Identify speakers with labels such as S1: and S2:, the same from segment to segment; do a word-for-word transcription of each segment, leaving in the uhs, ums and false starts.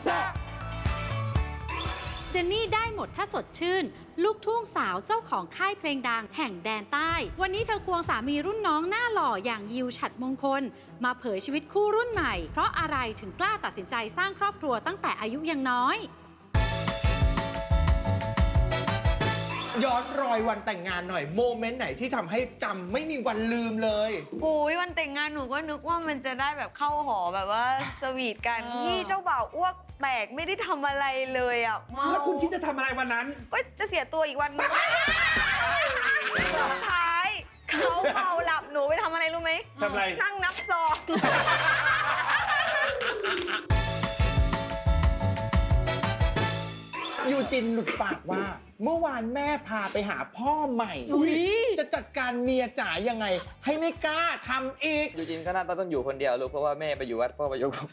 S1: แซ่บ
S2: เจนนี่ได้หมดถ้าสดชื่นลูกทุ่งสาวเจ้าของค่ายเพลงดังแห่งแดนใต้วันนี้เธอควงสามีรุ่นน้องหน้าหล่ออย่างยิวฉัตรมงคลมาเผยชีวิตคู่รุ่นใหม่เพราะอะไรถึงกล้าตัดสินใจสร้างครอบครัวตั้งแต่อายุยังน้อย
S1: ย้อนรอยวันแต่งงานหน่อยโมเมนต์ไหนที่ทำให้จำไม่มีวันลืมเลย
S3: โอ้ยวันแต่งงานหนูก็นึกว่ามันจะได้แบบเข้าหอแบบว่าสวีทกันพี่เจ้าบ่าวอ้วกแตกไม่ได้ทำอะไรเลยอ่ะ
S1: แล้วคุณคิดจะทำอะไรวันนั้น
S3: ก็จะเสียตัวอีกวันนึงสุดท้ายเขาเมาหลับหนูไปทำอะไรรู้ไหม
S1: ทำอะไร
S3: นั่งนับซอง
S1: ยูจินหลุดปากว่าเมื่อวานแม่พาไปหาพ่อใหม่จะจัดการเมียจ๋ายังไงให้ไม่กล้าทำอีก
S4: ยูจินก็น่าต้องอยู่คนเดียวลูกเพราะว่าแม่ไปอยู่วัดพ่อไปอยู่กุ๊ก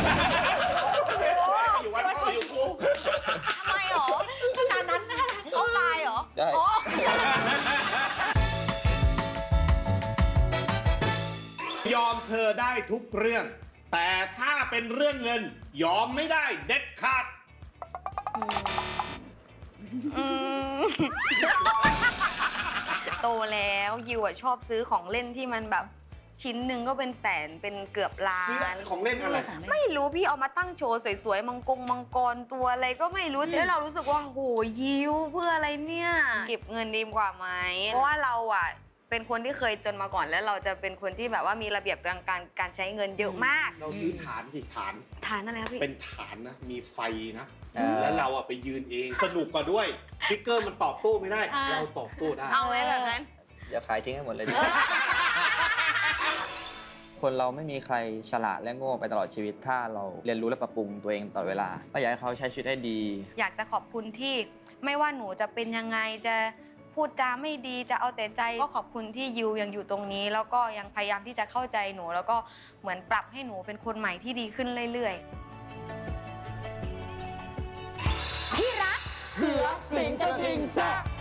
S1: อยู่วัดพ่ออยู่กุ๊ก
S3: ทำไมหรอขนาดนั้นเขาตายหรอ
S4: ได้
S5: ยอมเธอได้ทุกเรื่องแต่ถ้าเป็นเรื่องเงินยอมไม่ได้เด็ดขาด
S3: โตแล้วยิวอะชอบซื้อของเล่นที่มันแบบชิ้นหนึ่งก็เป็นแสนเป็นเกือบล้าน
S5: ซื้อของเล่นอะไร
S3: ไม่รู้พี่เอามาตั้งโชว์สวยๆมังกรมังกรตัวอะไรก็ไม่รู้แล้วเรารู้สึกว่าโหยิวเพื่ออะไรเนี่ยเก็บเงินดีกว่าไหมเพราะว่าเราอะเป็นคนที่เคยจนมาก่อนแล้วเราจะเป็นคนที่แบบว่ามีระเบียบการการการใช้เงินเยอะมาก
S5: เราซื้อฐานสิฐาน
S3: ฐานอะไรครับพี่
S5: เป็นฐานนะมีไฟนะแล้วเราอะไปยืนเองสนุกกว่าด้วยฟิกเกอร์มันตอบโต้ไม่ได้เราตอบโต้ได้
S3: เอาไว้แบบนั้น
S4: เดี๋ยวขายทิ้งให้หมดเลย คนเราไม่มีใครฉลาดและโง่ไปตลอดชีวิตถ้าเราเรียนรู้และปรับปรุงตัวเองตลอดเวลาก็อยากให้เขาใช้ชีวิตให้ดี
S3: อยากจะขอบคุณที่ไม่ว่าหนูจะเป็นยังไงจะพูดจาไม่ดีจะเอาแต่ใจก็ขอบคุณที่ยูยังอยู่ตรงนี้แล้วก็ยังพยายามที่จะเข้าใจหนูแล้วก็เหมือนปรับให้หนูเป็นคนใหม่ที่ดีขึ้นเรื่อยๆที่รัก
S1: เสือสิงกระทิงแซ่บ